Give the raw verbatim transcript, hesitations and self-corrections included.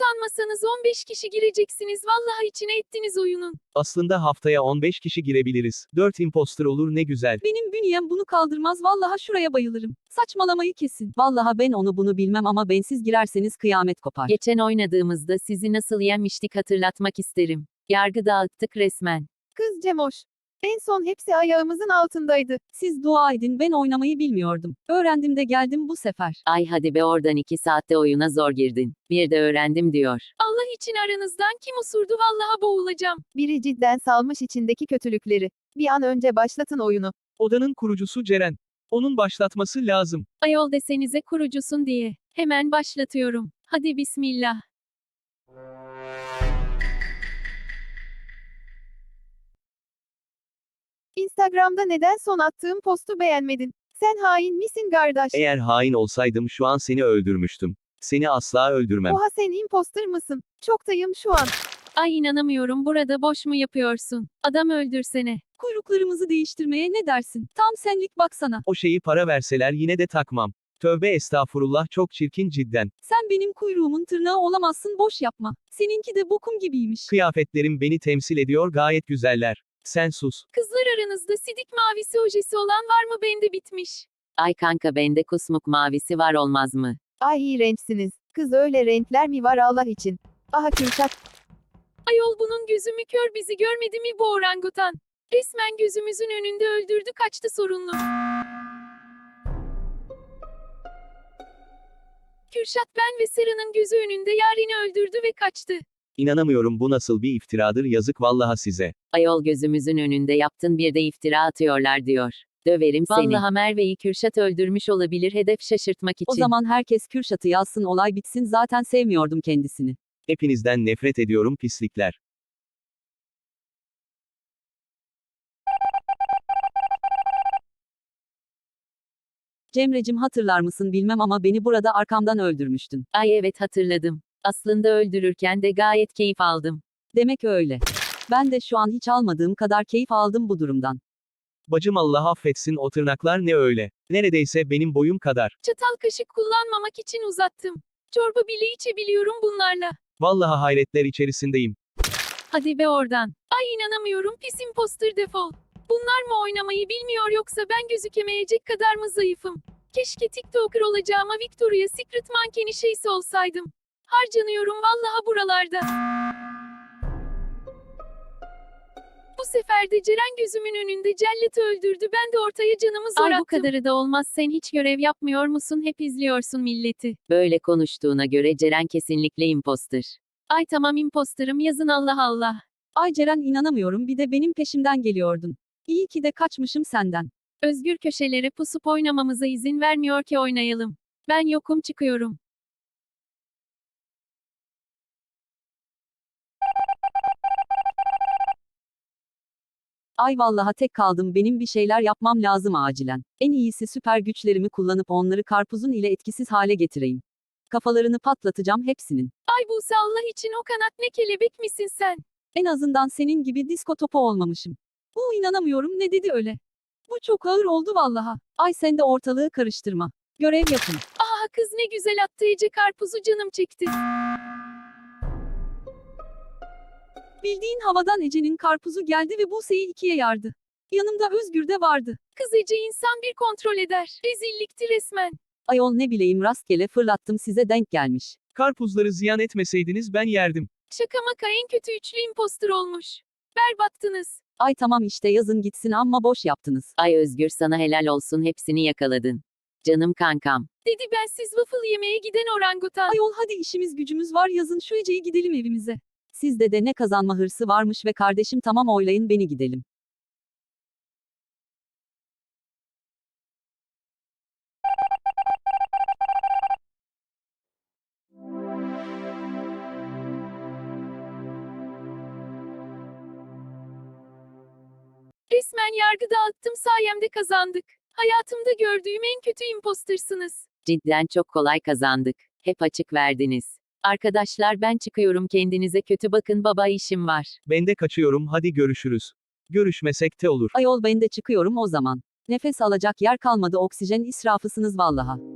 Utanmasanız on beş kişi gireceksiniz, vallahi içine ettiniz oyunun. Aslında haftaya on beş kişi girebiliriz. dört imposter olur ne güzel. Benim bünyem bunu kaldırmaz, vallahi şuraya bayılırım. Saçmalamayı kesin. Vallahi ben onu bunu bilmem ama bensiz girerseniz kıyamet kopar. Geçen oynadığımızda sizi nasıl yenmiştik hatırlatmak isterim. Yargı dağıttık resmen. Kız Cemoş. En son hepsi ayağımızın altındaydı. Siz dua edin, ben oynamayı bilmiyordum. Öğrendim de geldim bu sefer. Ay hadi be oradan, iki saatte oyuna zor girdin. Bir de öğrendim diyor. Allah için aranızdan kim usurdu, vallahi boğulacağım. Biri cidden salmış içindeki kötülükleri. Bir an önce başlatın oyunu. Odanın kurucusu Ceren. Onun başlatması lazım. Ayol desenize kurucusun diye. Hemen başlatıyorum. Hadi bismillah. Instagram'da neden son attığım postu beğenmedin? Sen hain misin kardeş? Eğer hain olsaydım şu an seni öldürmüştüm. Seni asla öldürmem. Oha, sen imposter mısın? Çoktayım şu an. Ay inanamıyorum, burada boş mu yapıyorsun? Adam öldürsene. Kuyruklarımızı değiştirmeye ne dersin? Tam senlik baksana. O şeyi para verseler yine de takmam. Tövbe estağfurullah, çok çirkin cidden. Sen benim kuyruğumun tırnağı olamazsın, boş yapma. Seninki de bokum gibiymiş. Kıyafetlerim beni temsil ediyor, gayet güzeller. Sen sus. Kızlar aranızda sidik mavisi ojesi olan var mı? Bende bitmiş. Ay kanka, bende kusmuk mavisi var, olmaz mı? Ay iğrençsiniz. Kız, öyle renkler mi var Allah için? Aha Kürşat. Ayol bunun gözü mü kör, bizi görmedi mi bu orangutan? Resmen gözümüzün önünde öldürdü, kaçtı sorunlu. Kürşat, ben ve Sera'nın gözü önünde Yaren'i öldürdü ve kaçtı. İnanamıyorum, bu nasıl bir iftiradır, yazık vallaha size. Ayol gözümüzün önünde yaptın, bir de iftira atıyorlar diyor. Döverim seni. Vallahi Merve'yi Kürşat öldürmüş olabilir, hedef şaşırtmak için. O zaman herkes Kürşat'ı yazsın, olay bitsin, zaten sevmiyordum kendisini. Hepinizden nefret ediyorum pislikler. Cemrecim, hatırlar mısın bilmem ama beni burada arkamdan öldürmüştün. Ay evet, hatırladım. Aslında öldürürken de gayet keyif aldım. Demek öyle. Ben de şu an hiç almadığım kadar keyif aldım bu durumdan. Bacım Allah affetsin, o tırnaklar ne öyle? Neredeyse benim boyum kadar. Çatal kaşık kullanmamak için uzattım. Çorba bile içebiliyorum bunlarla. Vallaha hayretler içerisindeyim. Hadi be oradan. Ay inanamıyorum, pis imposter, defol. Bunlar mı oynamayı bilmiyor, yoksa ben gözükemeyecek kadar mı zayıfım? Keşke TikToker olacağıma Victoria's Secret mankeni şeysi olsaydım. Harcanıyorum vallahi buralarda. Bu sefer de Ceren gözümün önünde celleti öldürdü, ben de ortaya canımı zor attım. Ay bu kadarı da olmaz, sen hiç görev yapmıyor musun, hep izliyorsun milleti. Böyle konuştuğuna göre Ceren kesinlikle imposter. Ay tamam, imposterım yazın, Allah Allah. Ay Ceren, inanamıyorum, bir de benim peşimden geliyordun. İyi ki de kaçmışım senden. Özgür köşelere pusup oynamamıza izin vermiyor ki oynayalım. Ben yokum, çıkıyorum. Ay vallaha tek kaldım, benim bir şeyler yapmam lazım acilen. En iyisi süper güçlerimi kullanıp onları karpuzun ile etkisiz hale getireyim. Kafalarını patlatacağım hepsinin. Ay Buse, Allah için o kanat ne, kelebek misin sen? En azından senin gibi disko topu olmamışım. Bu inanamıyorum, ne dedi öyle? Bu çok ağır oldu vallaha. Ay sen de ortalığı karıştırma. Görev yapın. Aha kız ne güzel attı Ece karpuzu, canım çekti. Bildiğin havadan Ece'nin karpuzu geldi ve Buse'yi ikiye yardı. Yanımda Özgür de vardı. Kız Ece insan bir kontrol eder. Rezillikti resmen. Ayol ne bileyim, rastgele fırlattım, size denk gelmiş. Karpuzları ziyan etmeseydiniz ben yerdim. Şaka maka en kötü üçlü imposter olmuş. Berbattınız. Ay tamam işte, yazın gitsin, amma boş yaptınız. Ay Özgür, sana helal olsun, hepsini yakaladın. Canım kankam. Dedi bensiz waffle yemeye giden orangutan. Ayol hadi, işimiz gücümüz var, yazın şu Ece'yi, gidelim evimize. Sizde de ne kazanma hırsı varmış ve kardeşim, tamam oylayın beni, gidelim. Resmen yargı dağıttım, sayemde kazandık. Hayatımda gördüğüm en kötü impostersınız. Cidden çok kolay kazandık. Hep açık verdiniz. Arkadaşlar ben çıkıyorum, kendinize kötü bakın, baba işim var. Ben de kaçıyorum, hadi görüşürüz. Görüşmesek de olur. Ayol ben de çıkıyorum o zaman. Nefes alacak yer kalmadı, oksijen israfısınız vallaha.